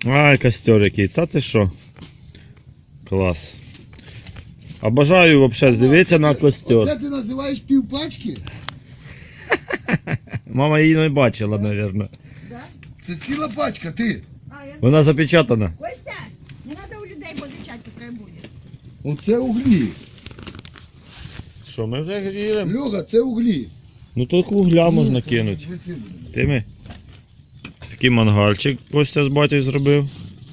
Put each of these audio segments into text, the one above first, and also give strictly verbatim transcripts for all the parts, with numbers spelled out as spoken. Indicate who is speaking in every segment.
Speaker 1: Ай, костер який, та ти що? Клас. Обожаю взагалі, дивитися на костер.
Speaker 2: Оце ти називаєш півпачки?
Speaker 1: Мама її не бачила, мабуть.
Speaker 2: Це ціла пачка, ти.
Speaker 3: А, я...
Speaker 1: Вона запечатана.
Speaker 3: Костя, не треба у людей позичати, хай буде.
Speaker 2: Оце углі.
Speaker 1: Що, ми вже гріємо?
Speaker 2: Льоха, це углі.
Speaker 1: Ну тут вугля можна кинути. Ти ми? Такий мангальчик Костя з батьком зробив.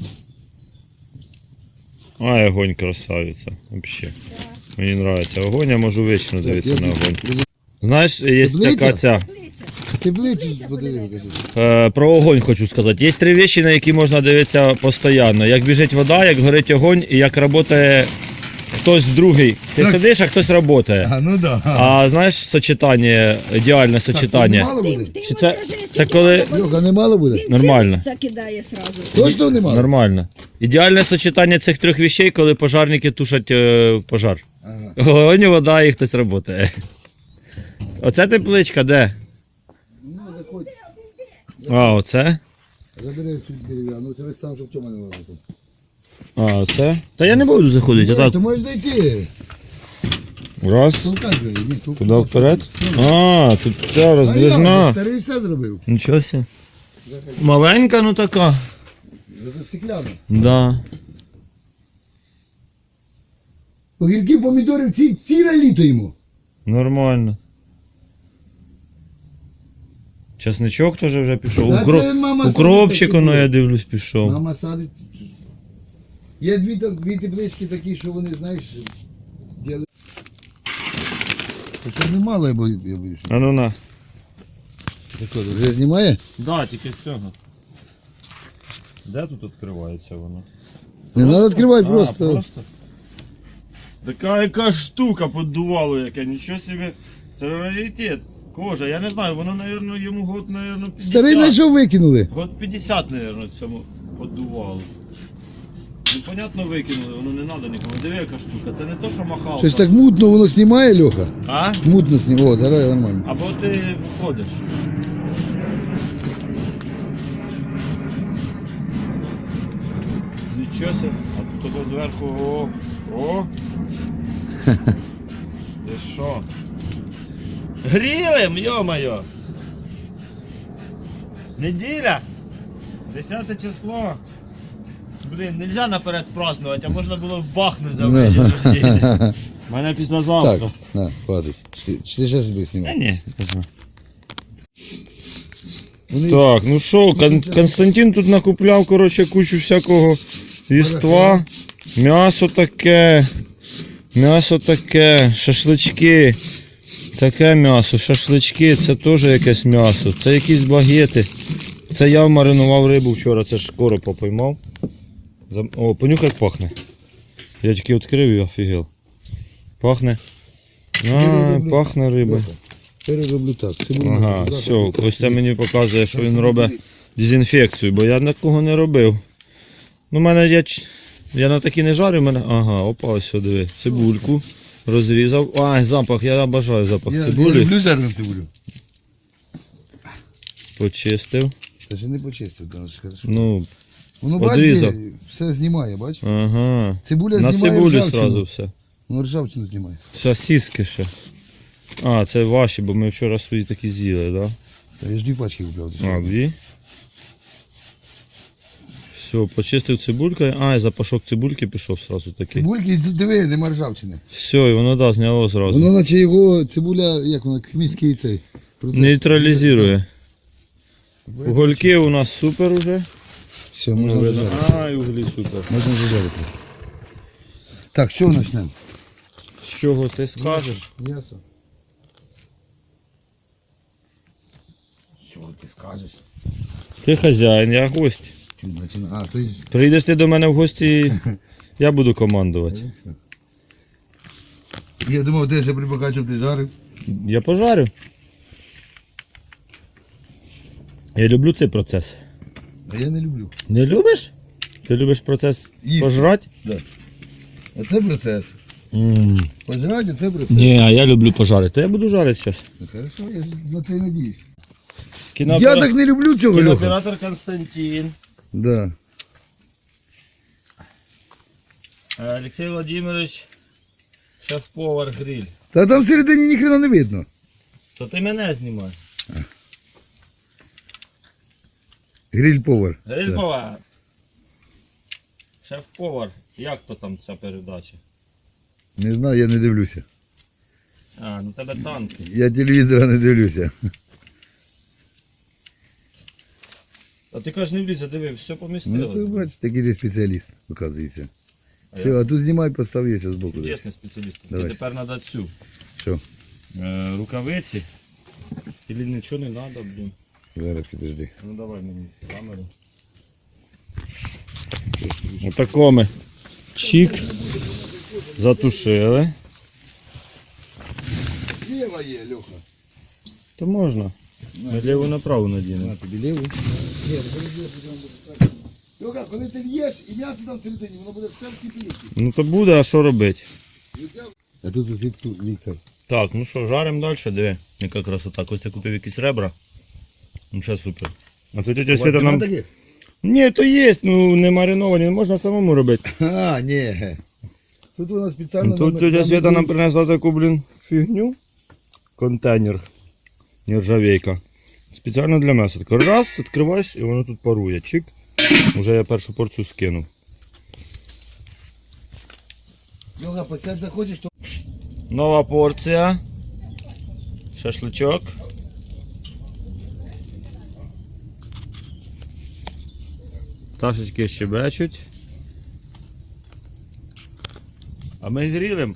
Speaker 1: Ай, огонь красавиця. Вообще. Мені подобається огонь, я можу вічно дивитися на огонь. Знаєш, є така ця.
Speaker 2: Теплицю подивив, кажи.
Speaker 1: Е, про огонь хочу сказати. Є три речі, на які можна дивитися постійно. Як біжить вода, як горить огонь і як працює хтось другий. Ти
Speaker 2: Так.
Speaker 1: сидиш, а хтось працює.
Speaker 2: А, ну да.
Speaker 1: А знаєш сочетання, ідеальне
Speaker 2: Так, це не
Speaker 1: сочетання.
Speaker 2: мало буде?
Speaker 1: Чи це, це коли...
Speaker 2: Льоха, не мало буде?
Speaker 1: Нормально.
Speaker 3: Закидає сразу.
Speaker 2: Точно не мало?
Speaker 1: Нормально. Ідеальне сочетання цих трьох вещей, коли пожарники тушать е, пожар.
Speaker 2: Ага.
Speaker 1: Огонь, вода і хтось працює. Оце тепличка, де?
Speaker 2: Ну, заходь.
Speaker 1: А, оце?
Speaker 2: Забери цю дерев'яну, це весь там, щоб Тьома не лазив.
Speaker 1: А, оце? Та я не буду заходити,
Speaker 2: Ну,
Speaker 1: а
Speaker 2: то
Speaker 1: так.
Speaker 2: можеш зайти.
Speaker 1: Раз.
Speaker 2: Толкай двері, ні, толкай.
Speaker 1: Куди вперед? А, тут ця
Speaker 2: А я
Speaker 1: роздвижна.
Speaker 2: старий все зробив.
Speaker 1: Нічого себе. Маленька, ну така.
Speaker 2: Це стекляна.
Speaker 1: Да.
Speaker 2: Огірків, помідорів, ці, ціле літо йому.
Speaker 1: Нормально. Часничок теж вже пішов.
Speaker 2: Та
Speaker 1: Укро...
Speaker 2: це мама
Speaker 1: Укропчик,
Speaker 2: садить
Speaker 1: воно,
Speaker 2: такі
Speaker 1: я дивлюсь, пішов.
Speaker 2: Мама садить. Є дві, там- дві теплички такі, що вони, знаєш, діли. Хоча немало, я бою- я боюсь.
Speaker 1: А ну на.
Speaker 2: Так от, вже знімає?
Speaker 1: Да, тільки з цього. Де тут відкривається воно?
Speaker 2: Не треба відкривати
Speaker 1: А,
Speaker 2: просто.
Speaker 1: просто? Така яка штука поддувало, яке, нічого собі. Це раритет. Кожа, я не знаю, воно, мабуть, йому год, мабуть, п'ятдесят.
Speaker 2: Старий знайшов, викинули.
Speaker 1: Год п'ятдесят, мабуть, цьому поддувало. Ну, понятно, викинули, воно не треба нікому. Диви, яка штука, це не то, що махалка.
Speaker 2: Щось так мутно воно знімає, Льоха.
Speaker 1: А?
Speaker 2: Мутно знімає. О, зараз нормально.
Speaker 1: Або ти входиш. Нічого себе, а тут зверху, о, о. Ти що? Грілим, йо-моє! Неділя! Десяте число. Блін, нельзя наперед празднувати, а можна було бахнути за
Speaker 2: Ну.
Speaker 1: день рождения. У мене післязавтра.
Speaker 2: Так, на, хватить. Чи ти- чи ти ще собі
Speaker 1: Та
Speaker 2: знімав?
Speaker 1: ні, не знаю.
Speaker 2: Вони-
Speaker 1: Так, ну що, Кон- Константин тут накупляв, коротше, кучу всякого їства. М'ясо таке, м'ясо таке, шашлички. Таке м'ясо, шашлички, це теж якесь м'ясо. Це якісь багети. Це я маринував рибу вчора, це ж коропа поймав. Зам- О, понюхай, як пахне. Я тільки відкрив і офігел. Пахне. А, пахне риба.
Speaker 2: Льоха, перероблю так. Це буде
Speaker 1: Ага,
Speaker 2: завтра
Speaker 1: все,
Speaker 2: буде
Speaker 1: Костя
Speaker 2: так.
Speaker 1: мені показує, що він
Speaker 2: Завтра
Speaker 1: робить
Speaker 2: буде.
Speaker 1: дезінфекцію, бо я такого не робив. Ну, в мене я, ч- я на такі не жарю, в мене. Ага, опа, ось сюди, диви. Цибульку розрізав. Ай, запах, я обожаю запах
Speaker 2: Я, я
Speaker 1: цибулі.
Speaker 2: люблю жарену цибулю.
Speaker 1: Почистив.
Speaker 2: Та ще не почистив, да, ж хорошо.
Speaker 1: Ну,
Speaker 2: Воно, бач,
Speaker 1: одрізав.
Speaker 2: де, все знімає, бач?
Speaker 1: ага.
Speaker 2: Цибуля
Speaker 1: На
Speaker 2: знімає
Speaker 1: цибулі
Speaker 2: ржавчину.
Speaker 1: одразу все.
Speaker 2: Воно ржавчину знімає.
Speaker 1: Сосиски ще. А, це ваші, бо ми вчора свої такі з'їли, так?
Speaker 2: Та я ж дві пачки купляв.
Speaker 1: Да? А, дві. Все, почистив цибулькою. А, і запашок цибульки пішов сразу такий.
Speaker 2: Цибульки, диви, нема ржавчини.
Speaker 1: Все, і воно да, зняло зразу.
Speaker 2: Воно наче його цибуля, як воно, хміський цей. процес.
Speaker 1: Нейтралізує. Угольки у нас супер уже.
Speaker 2: Все, можна вже жарити.
Speaker 1: А, і углі супер.
Speaker 2: Можна вже жарити. Так, що почнемо?
Speaker 1: З чого ти скажеш?
Speaker 2: М'ясо.
Speaker 1: Що ти скажеш? Ти хазяїн, я гость.
Speaker 2: Чим починати? А, то есть...
Speaker 1: Прийдеш ти до мене в гості, я буду командувати.
Speaker 2: Я думав, ти ще припекати, щоб ти жарив.
Speaker 1: Я пожарю. Я люблю цей процес.
Speaker 2: А я не люблю.
Speaker 1: Не любиш? Ти любиш процес
Speaker 2: Їсти.
Speaker 1: пожрати?
Speaker 2: Да. А це процес.
Speaker 1: М.
Speaker 2: Пожирати, це процес.
Speaker 1: Ні, а я люблю пожарити. То я буду жарити зараз.
Speaker 2: Ну, хорошо, я на це і надіюсь.
Speaker 1: Кінооператор-
Speaker 2: Я так не люблю цього, Льоха.
Speaker 1: Кінооператор Константин.
Speaker 2: Да.
Speaker 1: Олексій Володимирович, шеф-повар гриль.
Speaker 2: Та там всередині ніхрена не видно.
Speaker 1: То ти мене знімай.
Speaker 2: Гриль-повар.
Speaker 1: Гриль-повар. Шеф-повар. Як то там ця передача?
Speaker 2: Не знаю, я не дивлюся.
Speaker 1: А, ну тебе танки.
Speaker 2: Я телевізора не дивлюся.
Speaker 1: А ти кажеш, не влізе, диви, все
Speaker 2: Ну,
Speaker 1: помістили.
Speaker 2: ти бачиш, такий ти спеціаліст, оказується.
Speaker 1: А
Speaker 2: Все,
Speaker 1: я-
Speaker 2: а тут знімай, постав є з боку.
Speaker 1: Чудесний спеціаліст.
Speaker 2: Давай.
Speaker 1: Ти тепер треба цю.
Speaker 2: Що?
Speaker 1: Е, рукавиці. Или нічого не треба, блін.
Speaker 2: Зараз підожди.
Speaker 1: Ну давай мені камеру. Отако ми. Чик. Затушили.
Speaker 2: Ліва є, Льоха.
Speaker 1: То можна. Ми ліву направо надінемо.
Speaker 2: На тобі ліву. Ні, Льоха, коли ти в'єш і м'ясо там всередині, воно буде все в кипіліті.
Speaker 1: Ну то буде, а що робити?
Speaker 2: А тут сидить тут Віктор.
Speaker 1: Так, ну що, жаримо далі, диви. Яка красота. Костя купив якісь ребра. Ну ще супер. А це тетя Свята нам...
Speaker 2: таких?
Speaker 1: Ні, то є, ну не мариновані, можна самому робити.
Speaker 2: А, ні. Тут вона спеціально...
Speaker 1: Ну, тут тетя Свята нам принесла таку, блін, фігню. Контейнер. Нержавейка. Спеціально для м'яса. Так раз, відкриваєш і воно тут парує. Чик. Уже я першу порцію скинув.
Speaker 2: Льоха, посядь заходиш, то...
Speaker 1: Нова порція. Шашличок. Пташечки щебечуть. А ми грілим.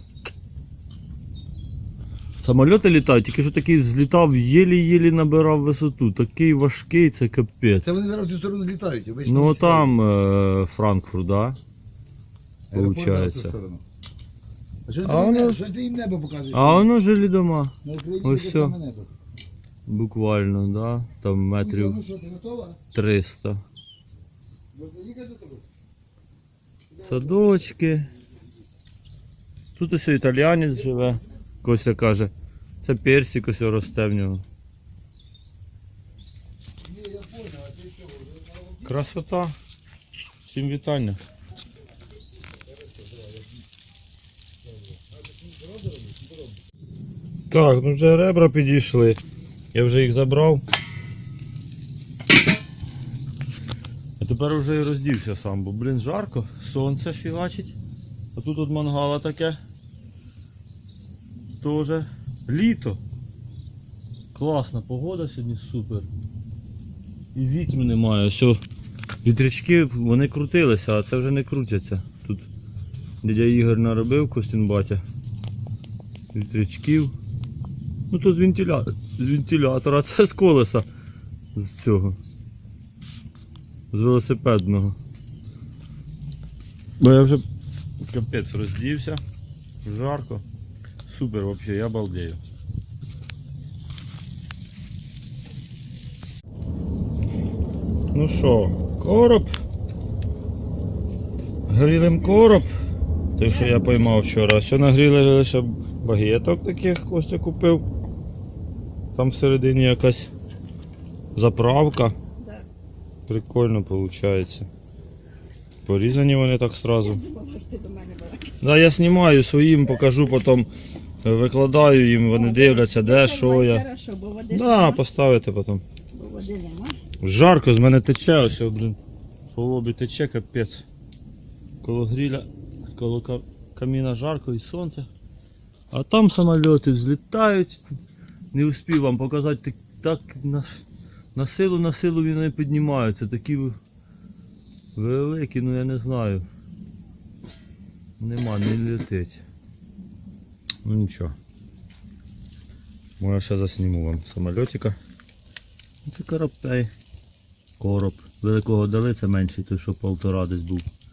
Speaker 1: Самольоти літають, тільки що такий злітав, єлі-єлі набирав висоту. Такий важкий, це капець.
Speaker 2: Це вони зараз в цю сторону злітають. обично
Speaker 1: Ну
Speaker 2: не
Speaker 1: там е, Франкфурт, да?
Speaker 2: Аеропорт, да, в цю
Speaker 1: Получається.
Speaker 2: сторону. А що ж
Speaker 1: А
Speaker 2: ти,
Speaker 1: воно-
Speaker 2: воно... що ж ти їм небо показуєш?
Speaker 1: А воно жилі дома.
Speaker 2: На Україні
Speaker 1: ось
Speaker 2: таке
Speaker 1: все.
Speaker 2: саме небо.
Speaker 1: Буквально, да? Там метрів
Speaker 2: Ну що, ти готова?
Speaker 1: триста.
Speaker 2: Можна їхати до тебе?
Speaker 1: Садочки. Тут ось італіянець живе. Костя каже, це персик ось росте в нього. Красота. Всім вітання. Так, ну вже ребра підійшли. Я вже їх забрав. А тепер вже і роздівся сам, бо, блін, жарко, сонце фігачить. А тут от мангала таке. Тоже літо. Класна погода сьогодні, супер. І вітру немає. Все, вітрячки вони крутилися, а це вже не крутяться. Тут дядя Ігор наробив, Костін батя. Вітрячків. Ну то з, вентиля... з вентилятора, а це з колеса. З цього. З велосипедного. Бо я вже капець роздівся. Жарко. Супер вообще, я балдею. Ну що, короб. Грілим короб. Те, що я поймав вчора. Все нагріли лише багеток таких, Костя купив. Там всередині якась заправка.
Speaker 3: Да.
Speaker 1: Прикольно виходить. Порізані вони так сразу.
Speaker 3: Думала, що ти до мене була.
Speaker 1: Да, я знімаю своїм, покажу потім, викладаю їм, вони дивляться, де, що я.
Speaker 3: Хорошо, бо води
Speaker 1: Да,
Speaker 3: нема.
Speaker 1: поставити потім.
Speaker 3: Бо води нема.
Speaker 1: Жарко, з мене тече, ось, о, блін. По лобі тече, капець. Коло гріля, коло ка- каміна жарко і сонце. А там самольоти взлітають. Не успів вам показати, так, так на, на силу, на силу вони піднімаються. Такі ви- великі, ну я не знаю. Нема, не летить. Ну нічого. Може ще засніму вам самольотика. Це коробей. Короб. Великого дали, це менший, той що полтора десь був.